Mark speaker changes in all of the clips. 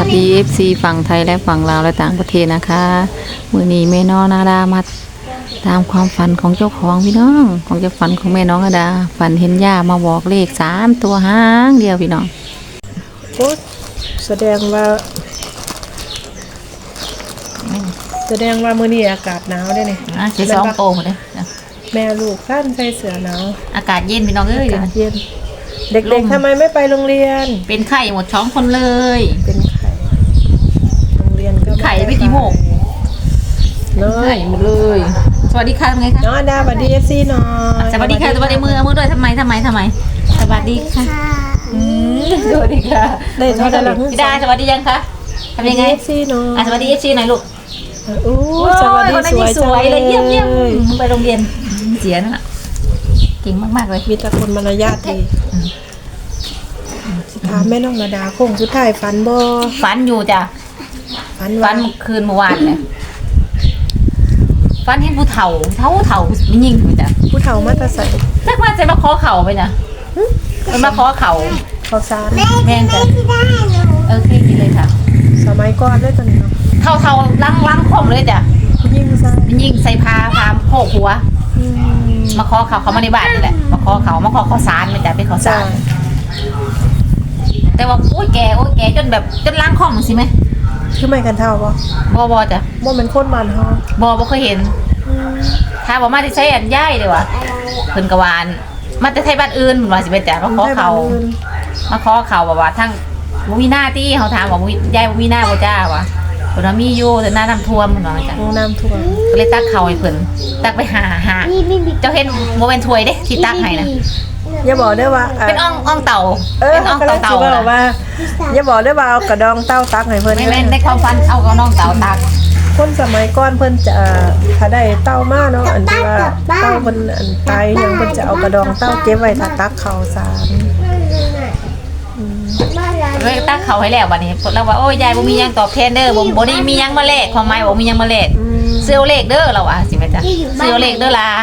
Speaker 1: สดี FC ฝั่งไทยและฝั่งลาวและต่างประเทศนะคะมื้อนี้แม่น้องนาดามาตามความฝันของเจ้าของพี่น้องของเจ้าฝันของแม่น้องนาดาฝันเห็นย่ามาบอกเลข3ตัวหางเดียวพี่น้อง
Speaker 2: โอ้แสดงว่ามื้อนี้อากาศหนาวได้นี่
Speaker 1: สิสองโตหมดเลย
Speaker 2: แม่ลูกท่านใส่เสื้อหนาว
Speaker 1: อากาศเย็นพี่น้องเอ้ย
Speaker 2: อากาศเย็นเด็กๆทำไมไม่ไปโรงเรียน
Speaker 1: เป็นไข้หมด2คนเลย
Speaker 2: เป็นไข่โรงเรียนก็
Speaker 1: ไข่ไปกี่โมง
Speaker 2: เนาะ
Speaker 1: ไข้หมดเลยสวัสดีค่ะไงคะ
Speaker 2: น้องดาสวัสดี FC หน่อย
Speaker 1: สวัสดีค่ะสวัสดีมือด้วยทำไมสวัสดีค่ะสวัสดีค่ะ
Speaker 2: ได้เท่าไหร่ล่ะ
Speaker 1: พี่ดาสวัสดียังคะทำยังไง
Speaker 2: FC หน่อย
Speaker 1: สวัสดี FC หน่อยลูก
Speaker 2: โอ้สวัสดี
Speaker 1: คนนั้นนี่สวยเลยเยี่ยมไปโรงเรียนเสียนะเก่งมากๆเลย
Speaker 2: มีแต่คนมารยาทดีสิถามแม่น้องนาดาคงสุดท้ายฝันบ่
Speaker 1: ฝันอยู่จ้ะ
Speaker 2: ฝัน
Speaker 1: ฝั
Speaker 2: ว่าน
Speaker 1: คืนเมื่อวานเนี่ยฝันเห็นผู้เฒ่าไม่ยิ่งเลยจ้ะ
Speaker 2: ผู้เฒ่ามาแตะใส่
Speaker 1: จักว่าจะมาขอเข่าไปนะมันมาขอเข่า
Speaker 2: ข้าวสาร
Speaker 1: แม่งจ้ะเคยกินเลยค่ะ
Speaker 2: สมัยก่อนเลยตอนนี้เนาะ
Speaker 1: เท่าล้างคมเลยจ้ะ
Speaker 2: ผู้หญิงผู้ชาย
Speaker 1: มันยิ่งใส่พาโผกหัว มาขอเขามาในบ้านนี่แหละมาขอข้าวสารมันจะเป็นข้าวสารแต่ว่าโอ้ยแกจนแบบจนล้างคอมสิไหม
Speaker 2: คือไม่กันเท่าบ่
Speaker 1: บจ้ะ
Speaker 2: บ่เป็นคนบ้านเฮา
Speaker 1: บ่เคยเห็นถ้าบอกมาที่ใช้อันย่ายเลยวะเพิ่นกวานมาแต่ไทยบ้านอื่นว่าสิเป็นจ้ะมาขอเขาแบบว่าทั้งบ่มีหน้าที่เขาถามว่าย่ายบ่มีหน้าบ่จ้าวะเพิ่นว่ามีอยู่แต่หน้าน้ำท่วมเพิ่นว่าจ้ะ
Speaker 2: โรงน้ำท่วม
Speaker 1: ก็เลยตักเขาให้เพิ่นตักไปหาเจ้าเห็นบ่เป็นถ้วยเด้ที่ตักให้นะ
Speaker 2: อย่าบอกได้ว่า
Speaker 1: เป็นอ่องเต่า
Speaker 2: เป็น
Speaker 1: อ่อง
Speaker 2: ก็เลย
Speaker 1: เต่า
Speaker 2: สิว่าอย่าบอกได้ว่าเอากระดองเต้าตักให้เพิ่น
Speaker 1: ไม่ในความฝันเอากับน้องเต่าตัก
Speaker 2: คนสมัยก่อนเพิ่นจะถ้าได้เต้ามาเนาะอันที่ว่าเต้าเพิ่นอันตายยังเพิ่นจะเอากระดองเต้าเก็บไว้ถ้าตักข้าวสาร
Speaker 1: เลยตักเขาให้แล้วบัดนี้เราว่าโอ้ยยายบ่มีหยังตอบแทนเด้อบ่ได้มีหยังมาแลกความหมายบ่มีหยังมาแลกเสื้อเลขเด้อเราอ่ะสิแม่จ้ะเสื้อเลขเด้อล่ะ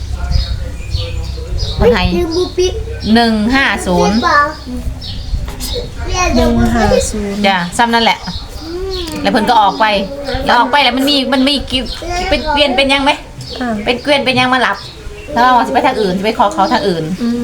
Speaker 1: เพิ่นให้150
Speaker 2: 150
Speaker 1: จ้ะซ้ำนั่นแหละ แล้วเพิ่นก็ออกไปแล้วมันมีเป็นเกวียนเป็นหยังไหมเป็นเกวียนเป็นหยังมาหลับแล้วว่าสิไปทางอื่นสิไปขอเขาทางอื่น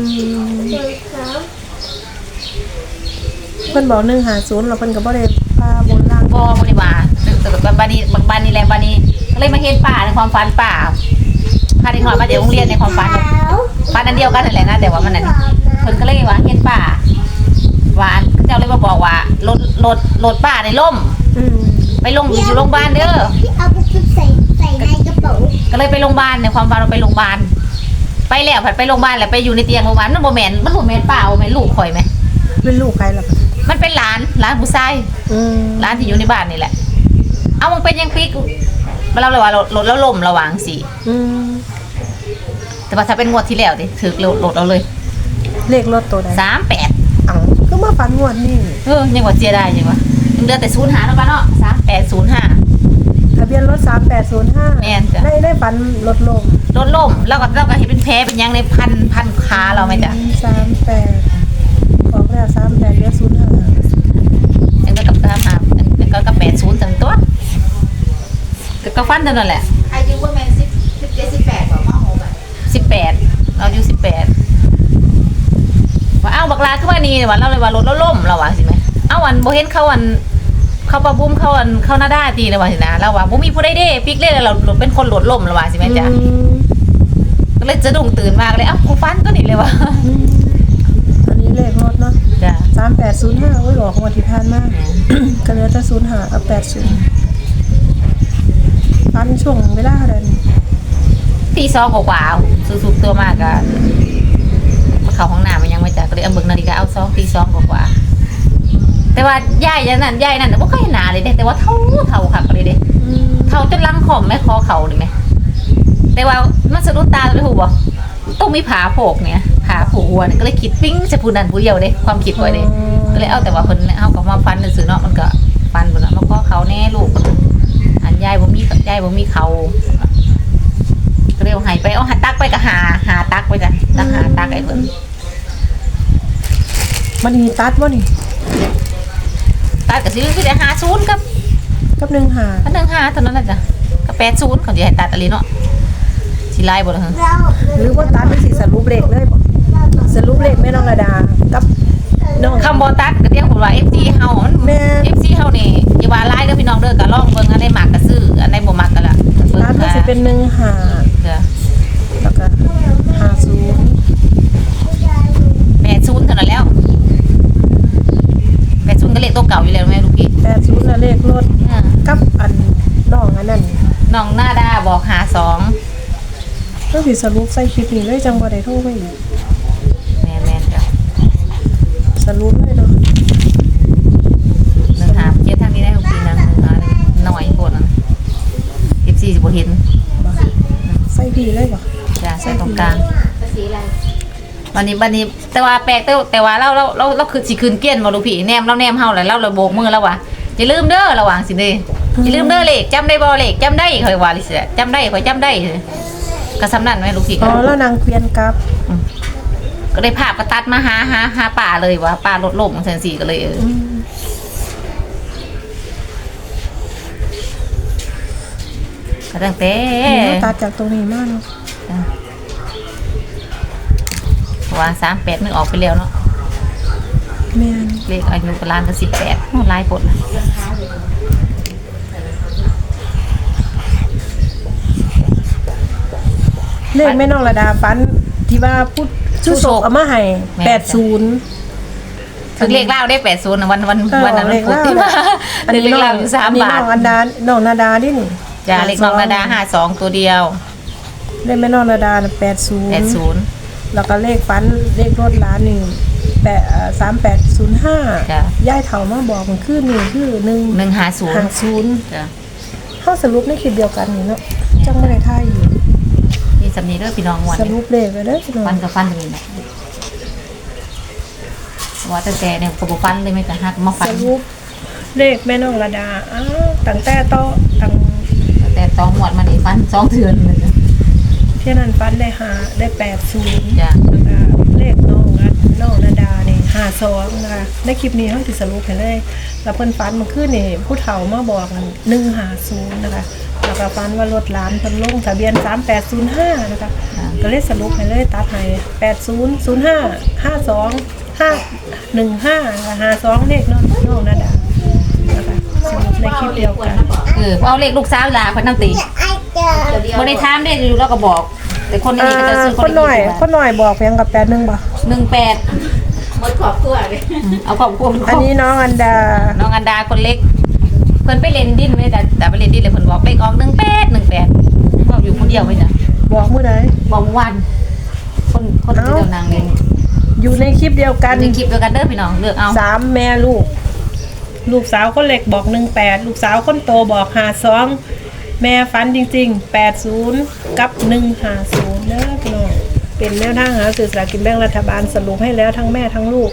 Speaker 2: เพิ่นบอก150แล้วเพิ่นก็บ่ได้พาบนล่าง
Speaker 1: บ่ได้มาแต่บ้านนี้แหละบ้านนี้ก็เลยมาเห็นป่าในความฝันป่าพาเด็กน้อยมาจากโรงเรียนในความฝันฝันอันเดียวกันนั่นแหละนะแต่ว่ามันนั่นเพิ่นก็เลยว่าเห็นป่าว่าเจ้าเลยมาบอกว่ารถป่าในล่มไปลงอยู่โรงพยาบาลเด้อ
Speaker 3: เอาไปใส่ในกระเป๋า
Speaker 1: ก็เลยไปโรงพยาบาลในความฝันเราไปโรงพยาบาลไปแล้วผัดไปโรงพยาบาลแล้วไปอยู่ในเตียงโรงพยาบาลมันบ่แม่นป่าบ่แม่นลูกข่อยไหม
Speaker 2: เป็นลูกใครล่ะ
Speaker 1: มันเป็นหลานผู้ชายหลานที่อยู่ในบ้านนี่แหละเอามันเป็นยังปีกเราเลยว่ารถแล้วล่มระหว่างสิแต่ว่าถ้าเป็นงวดที่แล้วดิถือรถเอาเลย
Speaker 2: เลขรถตัวใด
Speaker 1: 38
Speaker 2: เอ้าก็มาฝันงวดนี่
Speaker 1: ยังว่าเสียได้ยังวะยังเดือนแต่05แล้วป่ะเนาะ3805
Speaker 2: ทะเบียนรถ3805
Speaker 1: แม่นจ้ะ
Speaker 2: ได้ฝันรถลม
Speaker 1: รถล่มแล้วก็เห็นเป็นแผลเป็นยังในพันขาเราไหมจ๊ะ
Speaker 2: 38บอกแล้ว38เรียก05
Speaker 1: ยังก็กับ35ก็กับ80ถึงตัวก็ฟันเท่านั้นแหละ
Speaker 3: อายุประมาณ17-18บอกว่าโหแบบ
Speaker 1: 18เราอยู่18ว่าเอ้าบักลาคือว่านี่ว่าเราเลยว่ารถแล้วล่มเราว่าสิไหมเอ้าวันบ่เห็นเขาปะบุ้มเขาหน้าด้าตีเลยว่าสินะเราว่าบ่มีผู้ใดเด้ปิกเล่เราเป็นคนรถล่มเราว่าสิแม่จ๊ะก็เลยจะดุ้งตื่นมากเลยเอ้ากูฟันก็นี่เลยว่ะ
Speaker 2: อันนี้เลขรถเนาะ
Speaker 1: จ้ะ
Speaker 2: 3805โอ้ยบอกงวดที่ผ่านมาก็เหลือแต่05กับ80ฝันช่วงเวลาเท่าใดนี่
Speaker 1: ตี2กว่าสุดๆตัวมากอะมาเข้าห้องน้ำมันยังไม่จ้ะก็เลยเอาเบิ่งนาฬิกาเอา2ตี2กว่าแต่ว่ายายนั่นบ่เคยเห็นหน้าเลยเด้แต่ว่าเท่าค่ะก็เลยเด้เท่าจนลังขอมแม่คอเขาเลยแม่แต่ว่ามันสะดุดตาเลยฮู้บ่ต้องมีผาโผกเนี่ยผาผูกหัวเนี่ยก็เลยคิดปิ้งจะผู้นั้นผู้เดียวเด้ความคิดไว้เด้ก็เลยเอาแต่ว่าเพิ่นเอากับมาฟันซื่อๆเนาะมันก็ฟันเพิ่นน่ะมาขอเขาแน่ลูกอันยายบ่มีเขาก็เลยเอาให้ไปเอาหาตักไปก็หาตักไปจ้ะตักหาตักไอ้เพิ่น
Speaker 2: มันมีตัดบ่นี่
Speaker 1: ตัดก็สิคือได้50กับ
Speaker 2: กับ1 5
Speaker 1: อัน15เท่านั้นน่ะจ้ะกับ80เขาสิให้ตัดอะไรเนาะสิไล่บ่ล่ะฮะ
Speaker 2: หรือว่าตัดเป็นสิสรุปเลขเลยบ่สรุปเลขแม่น้องระดากับน้อง
Speaker 1: คำบ่ตัดก็เรียกผมว่า FC เฮามัน
Speaker 2: แม่
Speaker 1: FC เฮานี่อย่าว่าไล่เด้อพี่น้องเด้อก็ลองเบิ่งอันใดมักก็ซื้ออันใดบ่มักก็ละเบิ่ง
Speaker 2: ตัดก็สิเป็น1 5
Speaker 1: จ้ะ
Speaker 2: แล้วก็50
Speaker 1: 80เท่านั้นแล้ว80ก็เลขตัวเก่าอยู่แล้วแม่ลูกพี่
Speaker 2: 80แล้วเลขรถกับอันน้องอันนั้น
Speaker 1: น้องหน้าดาบอก52
Speaker 2: ก็สิสรุปใส่คลิปนี้เลยจังบ่ได้โทรไปอีก
Speaker 1: แม่นๆจ้ะ
Speaker 2: สรุปเลยเนาะ
Speaker 1: 15เจ็ดทางนี้ได้ลูกพี่นะ15น้อยโพดนะ FC สิบ่เห็น
Speaker 2: บ่ใส่พี่เลยบ่
Speaker 1: จ้ะใส่ตรงกลาง
Speaker 3: สีอะไร
Speaker 1: วันนี้แต่ว่าแปลกแต่ว่าเราคือสิคืนเกี้ยนบ่ลูกพี่แนมเราแนมเฮาแล้วเราโบกมือแล้วว่ะอย่าลืมเด้อระหว่างสิเด้อย่าลืมเด้อเลขจำได้บ่เลขจำได้ข่อยว่าลิสิจำได้ข่อยจำได้ก็สำนั้นแม่ลูกพี่
Speaker 2: อ๋อแล้วนางเกวียนกลับ
Speaker 1: ก็ได้ภาพก็ตัดมาหาป่าเลยว่าป่ารถล่มจังซี่ก็เลยก็ตั้งแต่
Speaker 2: ตัดจากตรงนี้มาเนาะ
Speaker 1: ว่า38นึงออกไปแล้วเนาะ
Speaker 2: แม่น
Speaker 1: เลขอายุก็ล้านก็18โอ้หลายปดนะ
Speaker 2: เลขแม่น้องระดาฟันที่ว่าพูดชื่อโศกเอามาให้80
Speaker 1: ถึงเลขเล่าได้80นะวันนั้นมันพูดที่มา
Speaker 2: อันนี้
Speaker 1: เลข
Speaker 2: น้อ
Speaker 1: เล่าง อยู่3 บาท
Speaker 2: น้องอันดาน้องนาดาดินี่
Speaker 1: จ้าเลขน้องนาดา52ตัวเดียว
Speaker 2: เลขแม่น้องนาดา80
Speaker 1: 80
Speaker 2: แล้วก็เลขฟันเลขรถร้านนี่3805
Speaker 1: จ้ะ
Speaker 2: ย่ายเฒ่ามาบอกมันคือนี่คือ
Speaker 1: 150
Speaker 2: 150
Speaker 1: จ้ะ
Speaker 2: เฮาสรุปในคลิปเดียวกันนี่เนาะจังบ่ได้ท่ายอยู่
Speaker 1: นี่สำนีเด้อพี่น้องวัน
Speaker 2: สรุปเลขไว้เด้อพี่น้อง
Speaker 1: ฟันกับฟันตรงนี้นะว่าแต่เนี่ยก็บ่ฟันเลยไม่แต่ฮักมาฟั
Speaker 2: ส
Speaker 1: น
Speaker 2: รุปเลขแม่น้องระดาอ้าวตั้งแต่โตะตั้ง
Speaker 1: แต่ต้องหมวดมานี่ฟัน2เทือนเลยจ้ะ
Speaker 2: เที่ยนั้นฟันได้80
Speaker 1: จ้ะ
Speaker 2: เลขน้องนาดานี่52นะคะในคลิปนี้เฮาสิสรุปให้เลยแล้วเพิ่นฟันมันคือนี่ผู้เฒ่ามาบอก150นะคะแล้วก็ฟันว่ารถร้านเพิ่นลงทะเบียน3805นะคะก็เลยสรุปให้เลยตัดให้8005 52 515นะคะ52เลขน้องนาดานะคะสรุปในคลิปเดียวกัน
Speaker 1: เอาเลขลูกสาวลาเพิ่นนำตีบ่ได้ถามได้อยู่แล้วก็บอก แต่คนนี้ก็จะซื้อ
Speaker 2: คนหน่อยบอกเพียงกับ81บ่
Speaker 1: 18
Speaker 3: หมดขอบตัวเลย
Speaker 1: เอาครอบครัว
Speaker 2: อันนี้น้องอันดา
Speaker 1: น้องอันดาคนเล็ก เพิ่นไปเล่นดินไว้แต่ไปเล่นดินเลยเพิ่นบอกเลขออก18บอกอยู่คนเดียวไว้จ้ะ
Speaker 2: บอกมื้อใด
Speaker 1: บอกเมื่อวันคนที่เจ้านางเล่น
Speaker 2: อยู่ในคลิปเดียวกัน
Speaker 1: ในคลิปเดียวกันเด้อพี่น้องเลือกเอา
Speaker 2: 3แม่ลูก ลูกสาวคนเล็กบอก18ลูกสาวคนโตบอก52แม่ฟันจริงๆ80กับ150เด้อพี่น้องเป็นแนวทางหาสื่อสลากกินแบ่งรัฐบาลสรุปให้แล้วทั้งแม่ทั้งลูก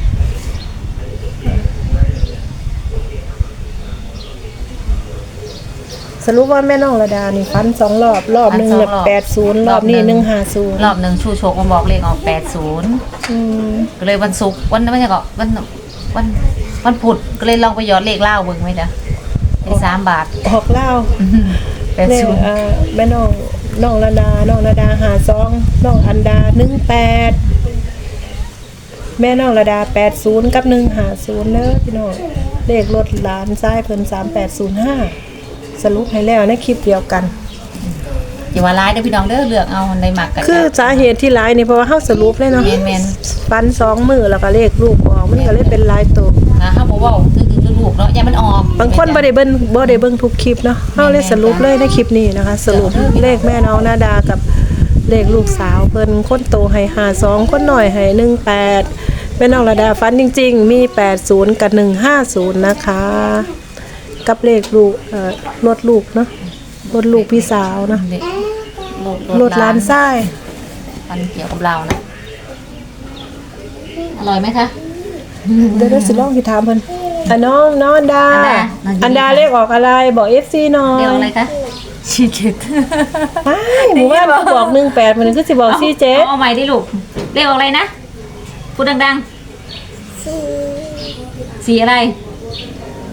Speaker 2: สรุปว่าแม่น้องระดานี่ฟัน2รอบนึง80รอบนี้150
Speaker 1: รอบหนึ่งชูโชคมาบอกเลขออก80ก็เลยวันศุกร์วันไม่ใช่ก็วันพุธก็เลยลองไปหยอดเลขเล่าเบิ่งไหมจ๊ะได้3 บาท
Speaker 2: ออกเล่าเลข
Speaker 1: 80
Speaker 2: แม่น้องระดา52น้องอันดา18แม่น้องระดา80กับ150เด้อพี่น้องเลขรถหลานซ้ายเพิ่น3805สรุปให้แล้วในคลิปเดียวกัน
Speaker 1: อย่าว่าร้ายเด้อพี่น้องเด้อเลือกเอาในหมักกัน
Speaker 2: คือสาเหตุที่หลายนี่เพราะว่าเฮาสรุปเลยเนาะ
Speaker 1: แม่น
Speaker 2: ฟัน2มือแล้วก็เลขลูกออกมันก็เลยเป็นหลายตัว
Speaker 1: ๆเฮาบ่เว้าคือลูกเนาะอย่ามันออก
Speaker 2: บางคนบ่ได้เบิ่งทุกคลิปเนาะเฮาเลยสรุปเลยในคลิปนี้นะคะ สรุปเลขแม่น้องนาดากับเลขลูกสาวเพิ่นคนโตให้52คนน้อยให้18แม่น้องระดาฟันจริงๆมี80กับ150นะคะกับเลขลูกรถลูกเนาะรถลูกพี่สาวเนาะรถหลานชาย
Speaker 1: มันเกี่ยวกับเรานะอร่อยไหมคะ
Speaker 2: เดี๋ยวสิลองสิถามเพิ่นน้องอันดา อันดาเลขออกอะไรบอก FC หน่อย
Speaker 1: เรียกอะไรคะชีเจ็ด
Speaker 2: หมู่บ้านบอก18มันคือสิบอก47
Speaker 1: เอาใหม่ดิลูกเรียกออกอะไรนะพูดดังๆสีอะไร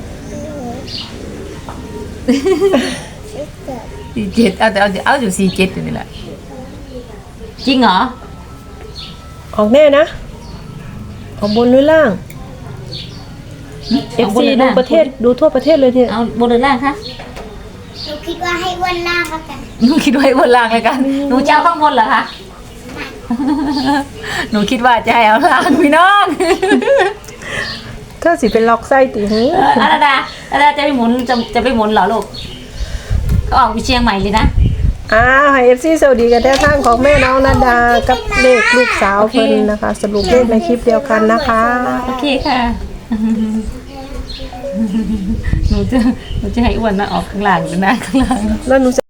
Speaker 1: 47เอาแต่เอาอยู่47อยู่นี่แหละจริงเหรอ
Speaker 2: ออกแน่นะออกบนหรือล่าง FC ดูประเทศดูทั่วประเทศเลยเนี่ย
Speaker 1: เอาบนหรือล่างคะ
Speaker 3: หนูคิดว่าให้อ้วนล่างแล้วกัน
Speaker 1: หนูคิดว่าให้บนล่างเลยกันหนูจะเอาข้างบนเหรอคะหนูคิดว่าจะให้เอาล่างพี่น้อง
Speaker 2: ถ้าสิเป็นล็อกไส้ติหือ
Speaker 1: อาดาจะไปหมุนจะไปหมุนเหรอลูกเขาออกไปเชียงใหม่เลยนะ
Speaker 2: ให้ FC สวัสดีกันแท้ทางของแม่น้องนาดากับเลขลูกสาวเพิ่นนะคะ สรุปเลขในคลิปเดียวกันนะคะ
Speaker 1: โอเคค่ะ หนูจะให้อ้วนนะออกข้างหลังหรือหน้าข้างหลัง
Speaker 2: แล้วหนู